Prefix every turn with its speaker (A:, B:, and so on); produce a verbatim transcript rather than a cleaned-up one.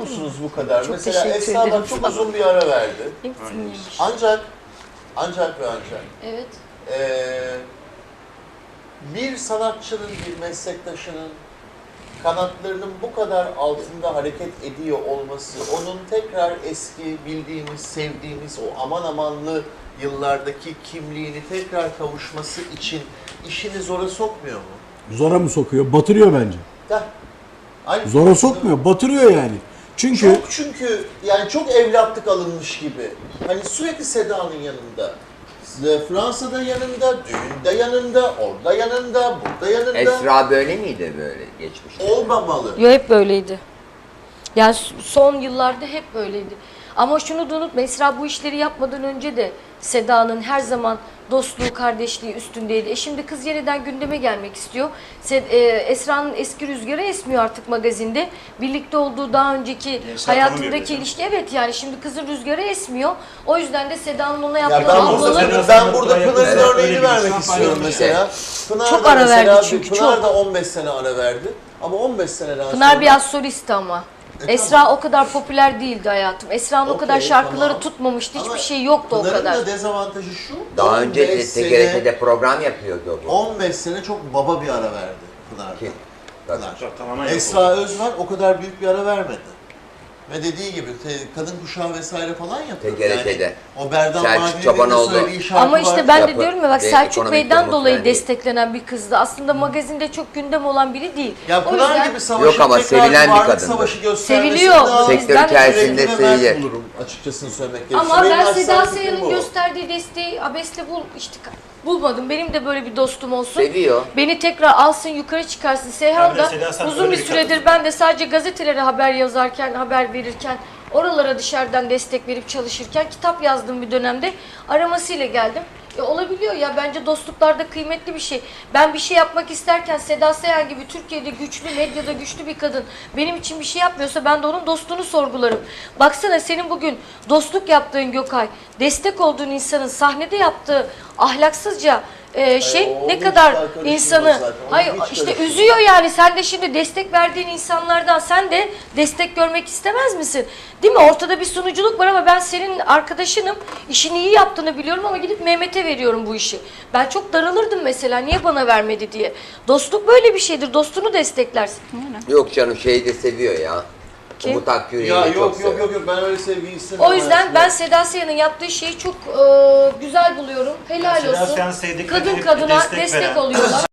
A: musunuz bu kadar?
B: Çok
A: Mesela
B: teşekkür
A: Esra
B: ederim
A: bak çok
B: sana.
A: uzun bir ara verdi.
B: Hepsini yemiş.
A: Ancak, ancak ve ancak
C: Evet.
A: eee, bir sanatçının, bir meslektaşının kanatlarının bu kadar altında hareket ediyor olması, onun tekrar eski bildiğimiz, sevdiğimiz o aman amanlı yıllardaki kimliğini tekrar kavuşması için işini zora sokmuyor mu?
D: Zora mı sokuyor? Batırıyor bence.
A: Heh. Aynı
D: Zora sokmuyor, batırıyor yani. Çünkü
A: Çok çünkü yani çok evlatlık alınmış gibi. Hani sürekli Seda'nın yanında. Fransa'da yanında, düğünde yanında, orada yanında, burada yanında.
E: Esra böyle miydi böyle geçmişte?
A: Olmamalı.
C: Yo, hep böyleydi. Yani son yıllarda hep böyleydi. Ama şunu da unutma, Esra bu işleri yapmadan önce de Seda'nın her zaman dostluğu, kardeşliği üstündeydi. E şimdi kız yeniden gündeme gelmek istiyor. Sed- e, Esra'nın eski rüzgarı esmiyor artık magazinde. Birlikte olduğu daha önceki
F: Esra
C: hayatındaki
F: tanımıyor
C: ilişki, evet yani şimdi kızın rüzgarı esmiyor. O yüzden de Seda'nın ona
A: Ya
C: yaptığı
A: ben,
F: Ablalı-
A: burada,
C: ablalı...
A: ben burada Pınar'ın
F: Evet,
A: örneğini
F: öyle bir
A: vermek
F: insan
A: istiyorum
F: paylaşmış.
A: mesela. Pınar
C: Çok
A: da
C: ara verdi
A: mesela,
C: çünkü,
A: Pınar
C: çok.
A: da on beş sene ara verdi. Ama on beş seneden sonra...
C: Pınar biraz solisti ama.
A: E,
C: Esra
A: tamam.
C: o kadar popüler değildi hayatım. Esra'nın o
A: Okey,
C: kadar şarkıları
A: tamam.
C: tutmamıştı.
A: Ama
C: Hiçbir şey yoktu o
A: Pınar'ın
C: kadar.
A: da dezavantajı şu.
E: Daha önce
A: on beş
E: de
A: sene-
E: T G R T'de program yapıyordu bu.
A: on beş sene çok baba bir ara verdi Pınar'da.
E: Kim? Tabii.
A: Pınar.
F: Çok tamamen yok
A: Esra
F: oldu.
A: Özvar o kadar büyük bir ara vermedi. Ve dediği gibi te- kadın kuşağı vesaire falan yapıyor.
E: T G R T'de.
A: Yani o Berdan
E: Selçuk
A: Mardin'in de
E: Çobanoğlu.
A: söylediği şarkı
C: Ama işte
A: var.
C: ben de
E: Yapı
C: diyorum ya bak
E: ve
C: Selçuk
E: ekonomik
C: Bey'den
E: durumu
C: dolayı
E: falan değil.
C: desteklenen bir kızdı. Aslında magazinde çok gündem olan biri değil.
A: Ya
C: O
A: Pınar
C: yüzden
A: gibi savaşı
E: Yok ama
A: tekrar
E: sevilen bir
A: varlık
E: kadındı.
A: savaşı göstermesi
C: Seviliyor.
A: daha-
E: Sektör
C: Bizden de
E: içerisinde
A: Yürekli ve mert
E: sevilir.
A: bulurum açıkçasını söylemek gerekirse.
C: ama
A: Benim
C: ben
A: naçizane
C: Seda
A: fikrim
C: Sayan'ın
A: bu.
C: gösterdiği desteği abesle bul işte bulmadım. Benim de böyle bir dostum olsun.
E: Seviyor.
C: Beni tekrar alsın, yukarı çıkarsın. Seyhan
F: Ben de
C: da
F: Seda Sayan
C: uzun
F: öyle
C: bir
F: bir
C: süredir
F: kadınım.
C: ben de sadece gazetelere haber yazarken, haber verirken, oralara dışarıdan destek verip çalışırken kitap yazdığım bir dönemde aramasıyla geldim. E olabiliyor ya, bence dostluklarda kıymetli bir şey. Ben bir şey yapmak isterken Seda Sayan gibi Türkiye'de güçlü, medyada güçlü bir kadın benim için bir şey yapmıyorsa ben de onun dostluğunu sorgularım. Baksana senin bugün dostluk yaptığın Gökay, destek olduğun insanın sahnede yaptığı ahlaksızca e, şey
A: o
C: ne
A: hiç
C: kadar
A: karışılmaz
C: insanı
A: zaten, o
C: hayır
A: hiç
C: işte
A: karışılmaz.
C: üzüyor yani. Sen de şimdi destek verdiğin insanlardan sen de destek görmek istemez misin? Değil mi? Ortada bir sunuculuk var ama ben senin arkadaşınım. İşini iyi yaptığını biliyorum ama gidip Mehmet'e veriyorum bu işi. Ben çok daralırdım mesela. Niye bana vermedi diye. Dostluk böyle bir şeydir. Dostunu desteklersin.
E: Yok canım şeyi de seviyor ya.
C: Kim?
E: Umut Akgür'ü
A: Ya
E: çok
A: yok
E: seviyor.
A: yok yok yok ben öyle sevgiyi istemiyorum.
C: O yüzden
A: hayatımda.
C: ben Seda Sayan'ın yaptığı şeyi çok e, güzel buluyorum. Helal
F: Seda
C: olsun.
F: Sayan sevdiklerine
C: Kadın
F: hep
C: kadına
F: destek
C: destek
F: veren.
C: oluyorlar.